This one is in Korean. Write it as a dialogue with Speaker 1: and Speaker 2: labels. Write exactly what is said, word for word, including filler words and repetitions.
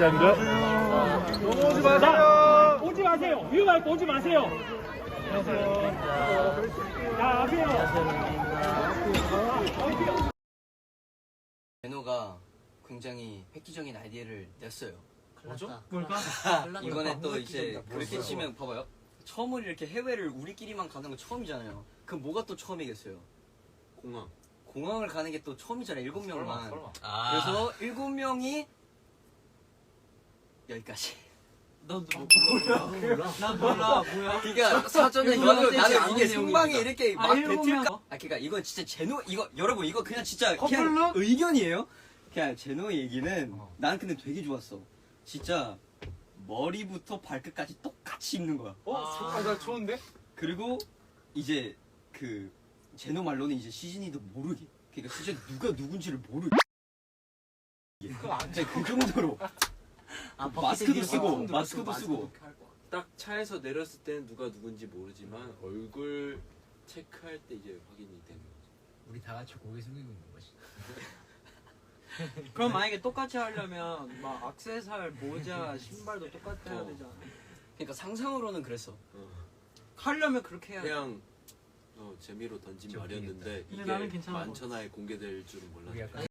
Speaker 1: 감사합니다.
Speaker 2: 오지 마세요. 오지 마세요. 위험할 때 오지 마세요. 자, 앞에요.
Speaker 3: 제노가 굉장히 획기적인 아이디어를 냈어요.
Speaker 4: 뭐죠?
Speaker 2: 뭘까?
Speaker 3: 이번에 또 이제 그렇게 치면 봐봐요. 처음으로 이렇게 해외를 우리끼리만 가는 건 처음이잖아요. 그럼 뭐가 또 처음이겠어요?
Speaker 4: 공항.
Speaker 3: 공항을 가는 게 또 처음이잖아요. 일곱 명만.
Speaker 4: 설마.
Speaker 5: 아.
Speaker 3: 그래서 일곱 명이 여기까지.
Speaker 5: 넌 몰라. 난 몰라. 뭐야?
Speaker 3: 그러니까 사전에
Speaker 5: 일곱
Speaker 3: 이거
Speaker 5: 명한테
Speaker 3: 나는 이게
Speaker 5: 아는
Speaker 3: 생방에
Speaker 5: 내용이니까.
Speaker 3: 이렇게
Speaker 5: 아,
Speaker 3: 막
Speaker 5: 일곱
Speaker 3: 뱉을까?
Speaker 5: 명?
Speaker 3: 아 그러니까 이건 진짜 제노 이거 여러분 이거 그냥 진짜
Speaker 5: 커플룩?
Speaker 3: 그냥 의견이에요. 그냥 제노의 얘기는
Speaker 5: 어.
Speaker 3: 난 근데 되게 좋았어. 진짜 머리부터 발끝까지 똑같이 입는 거야.
Speaker 2: 어? 아, 나 좋은데?
Speaker 3: 그리고 이제 그 제노 말로는 이제 시즌이도 모르게. 그러니까 진짜 누가 누군지를 모르게. 진짜 그 정도로
Speaker 5: 아,
Speaker 3: 마스크도 쓰고
Speaker 5: 버킷리스트
Speaker 3: 마스크도
Speaker 5: 마스크
Speaker 3: 쓰고.
Speaker 4: 딱 차에서 내렸을 때는 누가 누군지 모르지만 얼굴 체크할 때 이제 확인이 되는 거죠.
Speaker 5: 우리 다 같이 고개 숙이고 있는 거지. 그럼 만약에 똑같이 하려면 막 액세서리, 모자, 신발도 똑같이 해야
Speaker 4: 어.
Speaker 5: 되잖아.
Speaker 3: 그러니까 상상으로는 그랬어.
Speaker 4: 어.
Speaker 5: 하려면 그렇게 해야 돼.
Speaker 4: 그냥 어, 재미로 던진
Speaker 5: 좀
Speaker 4: 말이었는데
Speaker 5: 근데
Speaker 4: 이게
Speaker 5: 나는 괜찮은 것
Speaker 4: 만천하에 공개될 줄은 몰랐네.